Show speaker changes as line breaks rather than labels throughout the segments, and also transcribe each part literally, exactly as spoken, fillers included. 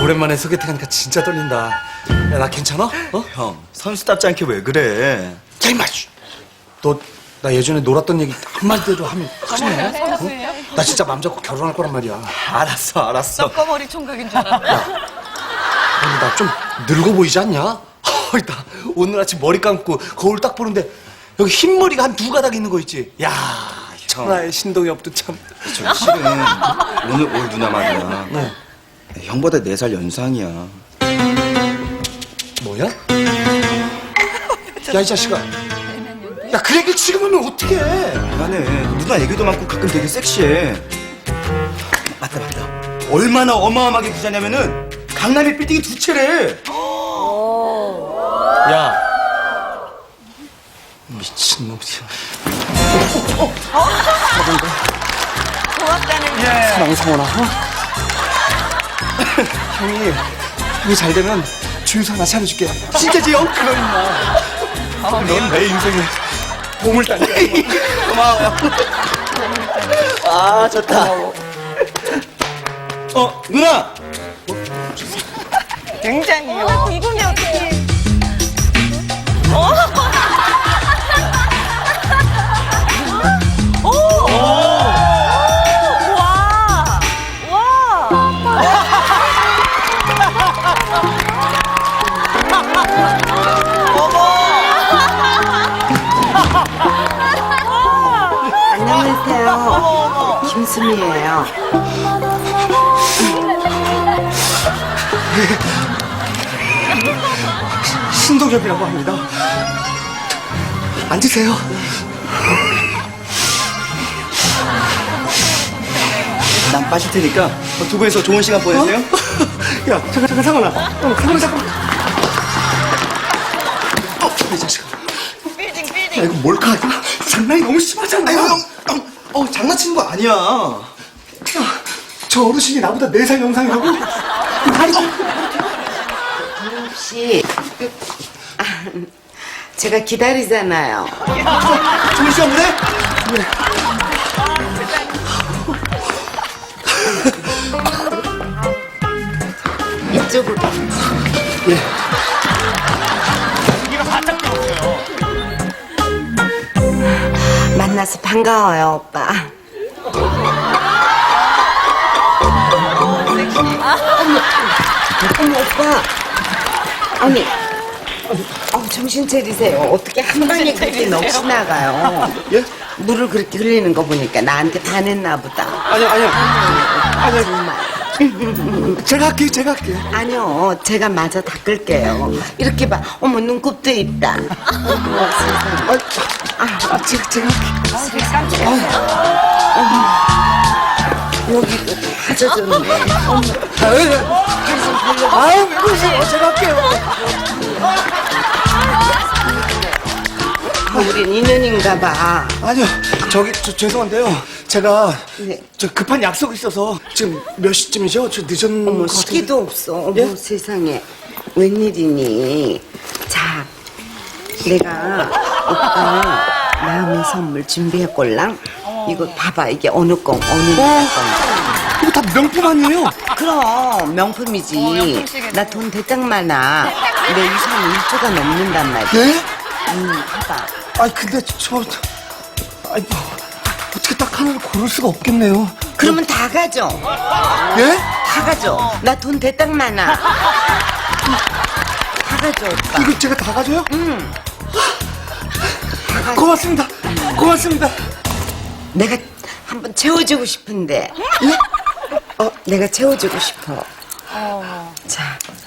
오랜만에 소개팅하니까 진짜 떨린다. 야, 나 괜찮아? 어?
형, 선수답지 않게 왜 그래?
야, 임마! 너, 나 예전에 놀았던 얘기 한마디도 하면 큰일 나? 어? 나 진짜 맘 잡고 결혼할 거란 말이야.
알았어, 알았어.
떡거머리 총각인 줄 알았네.
근데 나 좀 늙어 보이지 않냐? 나 오늘 아침 머리 감고 거울 딱 보는데 여기 흰머리가 한 두 가닥 있는 거 있지? 야, 천하의 신동엽도 참.
저 실은 오늘 올 누나 말이야.
네.
형보다 네 살 연상이야.
뭐야? 야, 이 자식아. 야, 그 얘기를 지금 하면 어떡해?
미안해. 누나 얘기도 많고 가끔 되게 섹시해. 맞다, 맞다. 얼마나 어마어마하게 부자냐면은 강남의 빌딩이 두 채래.
야. 미친놈이야.
고맙다는
사랑 성원아, 어? 형이, 형이 잘 되면 주유소 하나 차려줄게. 진짜지, 형? 그럼 임마. 넌 내 인생에 보물단이야.
고마워요. 아, 좋다. 어, 누나!
굉장히.
어, 이분이 어떻게?
오! 와! 와!
안녕하세요. 김수미예요.
신동엽이라고 합니다. 앉으세요.
난 빠질 테니까 두 분이서 좋은 시간 보내세요.
야, 잠깐, 잠깐, 상원아. 어, 상원아, 잠깐. 어, 이 자식아.
빌딩,
야,
빌딩.
이거 몰카. 장난이 너무 심하잖아.
아유, 형, 형, 어, 장난치는 거 아니야.
야, 저 어르신이 나보다 네 살 영상이라고? 다리 좀.
혹시 아, 제가 기다리잖아요.
좋은 시간 보내?
이쪽으로.
예.
만나서 반가워요, 오빠. 어머, 오빠. 아니, 어, 정신 차리세요. 어떻게 한 방에 그렇게 넋이 나가요?
예?
물을 그렇게 흘리는 거 보니까 나한테 반했나 보다.
아니요, 아니요. 아니요.
정말.
제가 할게요, 제가 할게요.
아니요, 제가 마저 닦을게요. 이렇게 봐. 어머, 눈곱도 있다. 어머, 세상에.
아, 제가, 제가 할게요.
여기도 다 젖었네. 어머,
아, 예, 예. 아유, 왜 그러세요? 제가 할게요.
우린 인연인가 봐.
아니요, 저기, 저, 죄송한데요. 제가,
네.
저 급한 약속이 있어서 지금 몇 시쯤이죠? 저 늦은
어머,
것 같은데.
시기도 없어. 어머,
예?
세상에. 웬일이니. 자, 내가 오빠 마음의 선물 준비했걸랑? 이거 봐봐. 이게 어느 건, 어느 나라 건지.
이거 다 명품 아니에요?
그럼 명품이지.
명품시계네.
나 돈 대짝 많아. 내 유산 일 조가 넘는단 말이야.
예?
응, 봐봐.
아니, 근데 저, 아니, 뭐, 어떻게 딱 하나를 고를 수가 없겠네요.
그러면 다 가져.
예?
다 가져. 나 돈 대딱 많아. 다 가져, 오빠.
이거 제가 다 가져요?
응. 다 가져.
고맙습니다. 고맙습니다.
내가 한번 채워주고 싶은데. 어, 내가 채워주고 싶어. 자,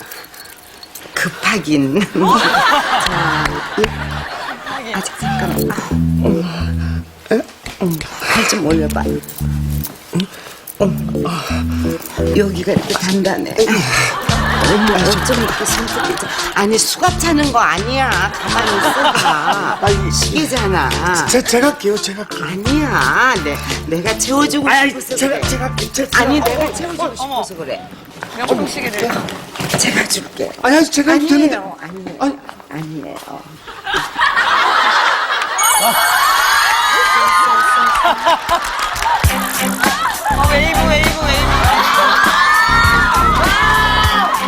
급하긴. 자, 예. 아직 잠깐만. 아, 어머.
에?
팔 좀 올려봐. 어머. 여기가 이렇게 단단해. 어머, 어쩜 이렇게 손톱이. 아니, 수갑 차는 거 아니야. 가만히 있어봐.
아니,
시계잖아.
제, 제가 할게요, 제가 할게요.
아니야. 내, 내가 채워주고
아니,
싶어서
제가,
그래.
제가 할게요. 제가,
아니, 내가 채워주고 싶어서 그래.
명품시계들.
제가 줄게.
아니, 아니, 제가 해도 되는데.
아니에요. 아니에요.
아니.
아니에요.
어, 웨이브, 웨이브, 웨이브.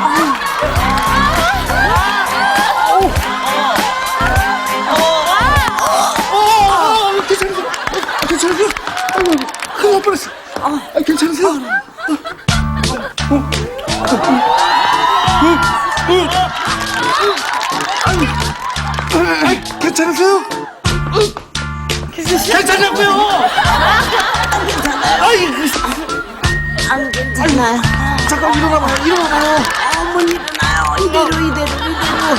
괜찮냐고요? 아이,
안 괜찮아요.
잠깐 일어나봐요, 일어나봐요.
어, 못 일어나요. 이대로, 이대로, 이대로.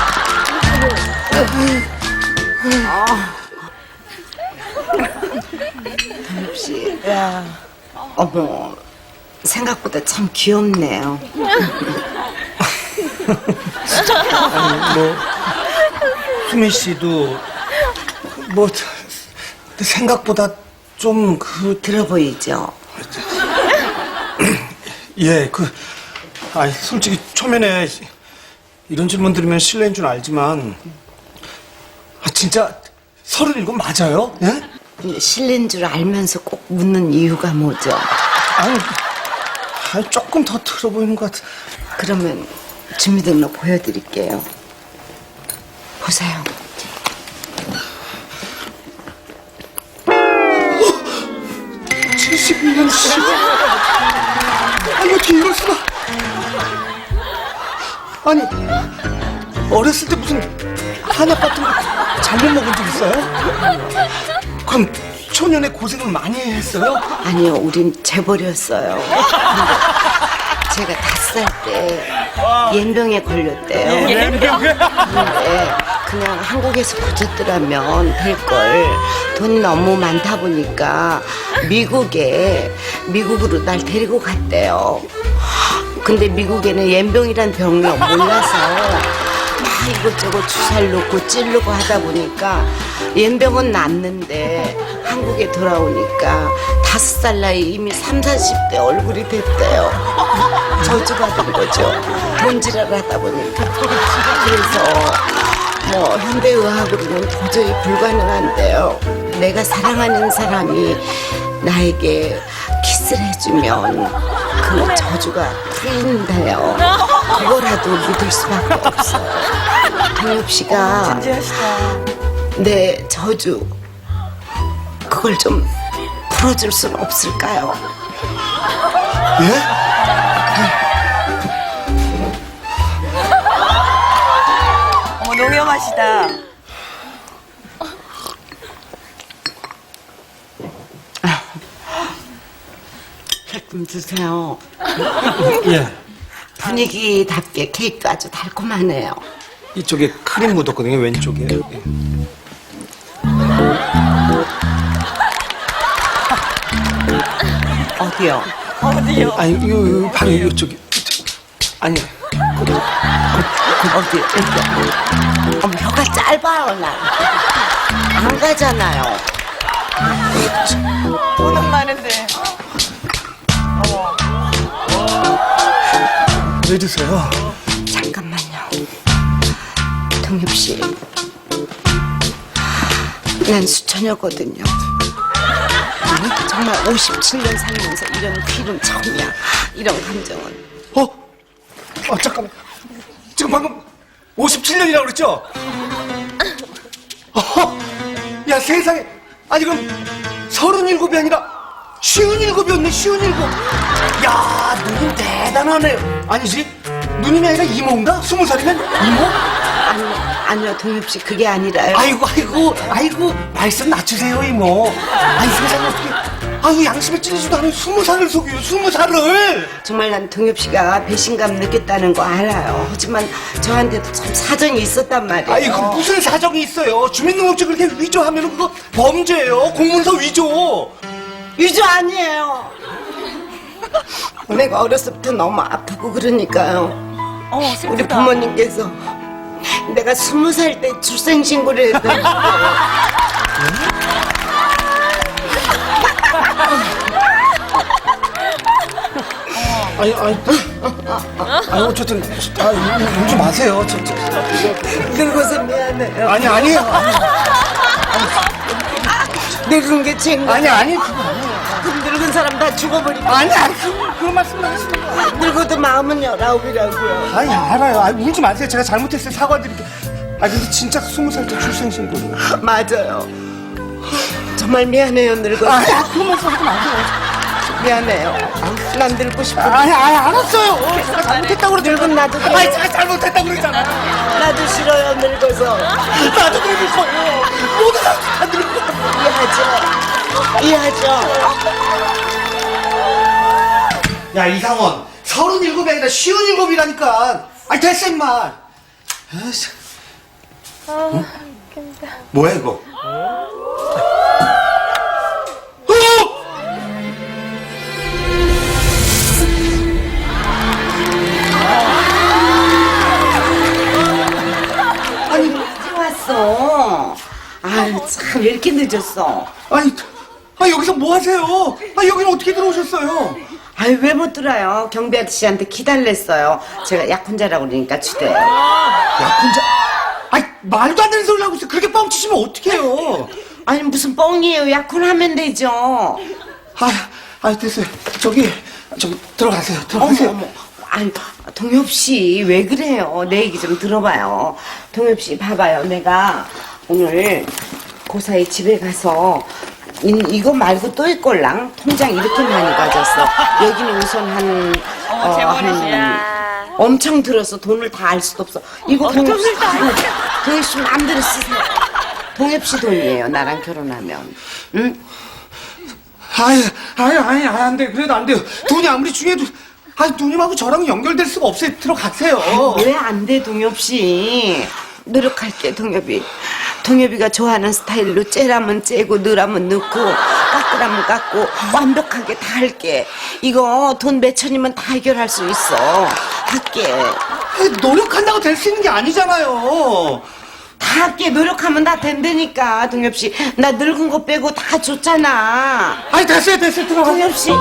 동엽씨.
야.
어머, 생각보다 참 귀엽네요.
아니, 뭐, 수미 씨도, 뭐, 생각보다 좀, 그,
들어 보이죠?
예, 그, 아 솔직히 초면에 이런 질문 들으면 실례인 줄 알지만, 아, 진짜 서른일곱 맞아요? 예?
근데 실례인 줄 알면서 꼭 묻는 이유가 뭐죠?
아니, 아니, 조금 더 들어 보이는 것 같아.
그러면 주민등록 보여드릴게요. 보세요.
칠십일 년 씨. 아니, 어떻게 이럴 수가. 아니, 어렸을 때 무슨 한약 같은 거 잘못 먹은 적 있어요? 그럼 초년에 고생을 많이 했어요?
아니요, 우린 재벌이었어요. 제가 다섯 살 때 옌병에 걸렸대요.
옌병?
근데 그냥 한국에서 고쳤더라면 될걸. 돈이 너무 많다 보니까 미국에, 미국으로 날 데리고 갔대요. 근데 미국에는 옌병이란 병이 몰라서 막 이것저것 주사를 놓고 찌르고 하다 보니까 옌병은 낫는데 한국에 돌아오니까 다섯 살 나이 이미 삼사십 대 얼굴이 됐대요. 저주받은 거죠. 돈지랄 하다 보니까. 그래서 뭐 현대의학으로는 도저히 불가능한데요. 내가 사랑하는 사람이 나에게 키스를 해주면 그 저주가 풀린대요. 그거라도 믿을 수밖에 없어요. 동엽 씨가
진지하시다.
내 저주 그걸 좀 풀어줄 수는 없을까요?
예?
어머, 농염하시다.
좀 드세요.
예.
분위기답게 케이크도 아주 달콤하네요.
이쪽에 크림 묻었거든요, 왼쪽에. 예.
어디요?
어디요?
아니, 요, 요, 바로 이쪽에. 아니,
어디? 여기. 어머, 혀가 짧아요, 나. 안 가잖아요.
돈은 많은데. 어머.
왜 드세요?
잠깐만요. 동엽 씨. 난 수처녀거든요. 정말 오십칠 년 살면서 이런 귀름 처음이야. 이런 감정은.
어? 아, 잠깐만. 지금 방금 오십칠 년이라고 그랬죠? 어? 야, 세상에. 아니, 그럼 서른일곱이 아니라 쉬운일곱이었네, 쉬운일곱. 야, 누님 대단하네. 아니지? 누님이 아니라 이모인가? 스무 살이면 이모?
아니, 아니요, 동엽 씨, 그게 아니라요.
아이고, 아이고, 아이고, 말씀 낮추세요, 이모. 아니, 세상에 어떻게. 아유, 양심에 찔리지도 않은 스무 살을 속여요, 스무 살을.
정말 난 동엽 씨가 배신감 느꼈다는 거 알아요. 하지만 저한테도 참 사정이 있었단 말이에요.
아이고, 무슨 사정이 있어요. 주민등록증 그렇게 위조하면 그거 범죄예요. 공문서 위조.
유저 아니에요. 내가 어렸을 때 너무 아프고 그러니까요.
어, 슬프다.
우리 부모님께서 내가 스무 살 때 출생신고를 했다는
아니, 아니, 아니, 어쨌든, 아, 울지 마세요. 저, 저,
늙어서 미안해요.
아니, 아니에요.
늙은 게 죄인가?
아니, 아니, 그거 아니에요.
그럼 늙은 사람 다 죽어버리고.
아니, 아니, 그, 그런 말씀 하시는 거예요.
늙어도 마음은 열아홉이라고요.
아니, 알아요. 아니, 울지 마세요. 제가 잘못했어요. 사과드릴게요. 아, 근데 진짜 스무 살 때 출생신고를.
맞아요. 정말 미안해요, 늙어서.
아니, 그런 말씀 하지 마세요.
미안해요. 난 늙고 싶어.
아니, 아니, 알았어요. 제가 잘못했다고 그러죠.
늙은 나도 그래요.
아니, 제가 잘못했다고 그랬잖아요.
나도 싫어요, 늙어서.
나도 늙을 거예요. 모두 다 늙을 거예요.
이해하죠?
야, 이상원. 서른일곱이 아니라 쉬운일곱이라니까. 아니, 됐어, 임마. 아이씨. 응? 뭐야, 이거? 어! 아니,
왔어. 아유, 참, 왜 이렇게 늦었어?
아니, 아, 여기서 뭐 하세요? 아, 여기는 어떻게 들어오셨어요?
아유, 왜 못 들어요? 경비 아저씨한테 기다렸어요. 제가 약혼자라고 그러니까 주대요.
약혼자? 아니, 말도 안 되는 소리를 하고 있어. 그렇게 뻥치시면 어떡해요?
아니, 무슨 뻥이에요. 약혼하면 되죠.
아, 아, 됐어요. 저기, 저기, 들어가세요.
어머,
들어가세요.
어머. 아니, 동엽 씨, 왜 그래요? 내 얘기 좀 들어봐요. 동엽 씨, 봐봐요. 내가 오늘 고사히 집에 가서 이, 이거 말고 또 있걸랑 통장 이렇게 많이 가졌어. 여기는 우선 한,
어머, 재벌이시야.
엄청 들어서 돈을 다 알 수도 없어. 이거 동엽 씨, 동엽 씨 마음대로 쓰세요. 동엽 씨 돈이에요. 나랑 결혼하면. 응?
아유, 아유, 아니, 안 돼. 그래도 안 돼요. 돈이 아무리 중요해도, 아, 누님하고 저랑 연결될 수가 없어요. 들어가세요.
왜 안 돼, 동엽 씨? 노력할게, 동엽이. 동엽이가 좋아하는 스타일로 째라면 째고 넣으라면 넣고 깎으라면 깎고 완벽하게 다 할게. 이거 돈 몇 천이면 다 해결할 수 있어. 할게.
아니, 노력한다고 될 수 있는 게 아니잖아요.
다 할게. 노력하면 다 된다니까, 동엽 씨. 나 늙은 거 빼고 다 줬잖아.
아니, 됐어요, 됐어요. 들어가세요.
동엽 씨.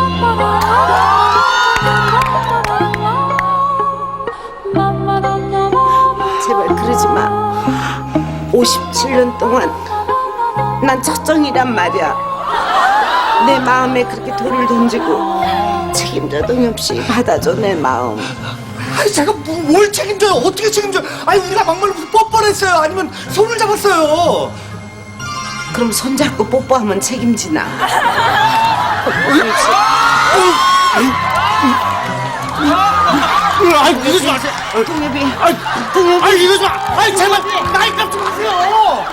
제발 그러지 마. 오십칠 년 동안 난 첫정이란 말이야. 내 마음에 그렇게 돌을 던지고 책임져, 동엽 씨. 받아줘, 내 마음.
아니, 제가 뭐, 뭘 책임져요? 어떻게 책임져요? 아니, 우리가 막말로 무슨 뻔뻔했어요? 아니면 손을 잡았어요?
그럼 손잡고 뽀뽀하면 책임지나? 동엽 씨.
아니, 이러지 마세요.
동엽이.
아니,
동엽이.
아니, 이러지 마. 아니, 제발, 나이값 좀 하세요.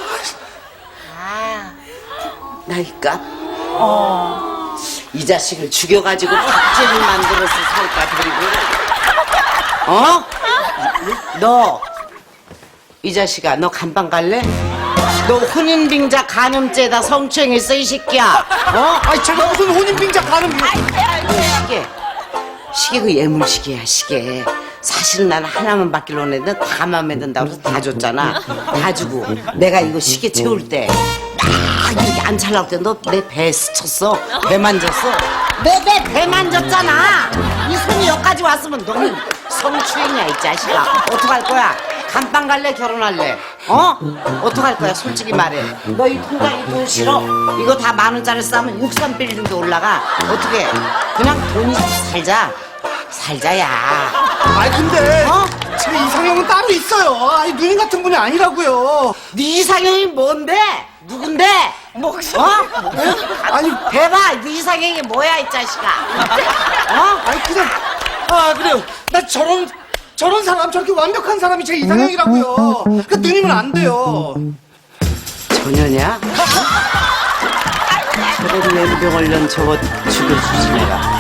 나이값? 어. 이 자식을 죽여가지고 박제를 만들어서 살까, 그리고. 어? 너, 이 자식아, 너 간방 갈래? 너 혼인빙자 간음죄다 성추행했어, 이 새끼야. 어?
아니, 제가 무슨 혼인빙자 가는 거.
너 시계. 시계 그 예물시계야, 시계. 사실은 나는 하나만 받기로 했는데 다 마음에 든다고 해서 다 줬잖아. 다 주고. 내가 이거 시계 채울 때 막 이렇게 안 찰라고 때 너 내 배에 스쳤어. 배 만졌어. 내 배 배 만졌잖아. 이 손이 여기까지 왔으면 너는 성추행이야, 이 자식아. 어떡할 거야? 감방 갈래, 결혼할래? 어? 어떡할 거야, 솔직히 말해. 너 이 통장에 돈 싫어? 이거 다 만 원짜리 싸면 육삼 빌딩도 올라가. 어떻게? 그냥 돈이 살자. 살자야.
아니, 근데.
어?
제 이상형은 따로 있어요. 아니, 누님 같은 분이 아니라고요.
네 이상형이 뭔데? 누군데?
목소리.
어?
아니,
대봐, 네 이상형이 뭐야, 이 자식아? 어?
아니, 그냥. 아, 그래요. 나 저런, 저런 사람, 저렇게 완벽한 사람이 제 이상형이라고요. 그 누님은 안 돼요.
전혀냐? 저런 뇌병 얼른 저거 죽여주지 내가.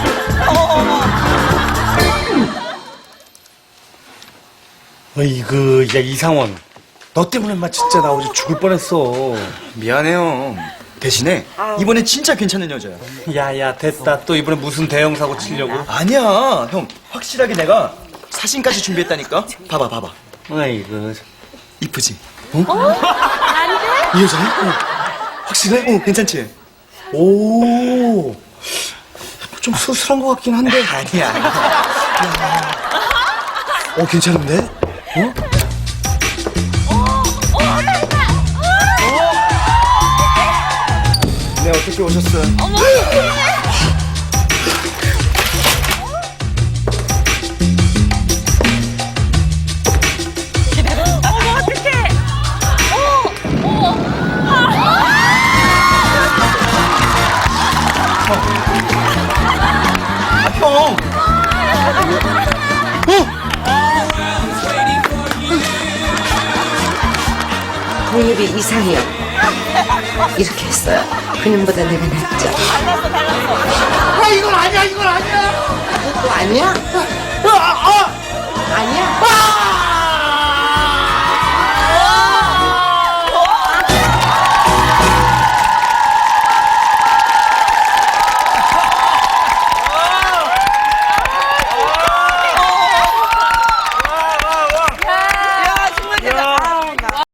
어이구, 야, 이상원. 너 때문에 마 진짜 나 어제 죽을 뻔했어.
미안해요. 대신에 이번엔 진짜 괜찮은 여자야.
야야, 됐다. 또 이번에 무슨 대형 사고 치려고?
아니야, 형. 확실하게 내가 사진까지 준비했다니까. 봐봐, 봐봐.
아이고.
이쁘지? 어? 이 여자야? 어. 확실해? 어, 괜찮지?
오. 좀 수술한 것 같긴 한데.
아니야.
어, 괜찮은데? 어?
네, 어떻게 오셨어요?
어머, 어떡해.
아, 형!
어?
동엽이 이상해요. 이렇게 했어요. 그년보다 내가 낫죠.
달랐어 달랐어.
아, 이건 아니야, 이건 아니야.
그것도 아니야?
아, 아,
아니야?
아!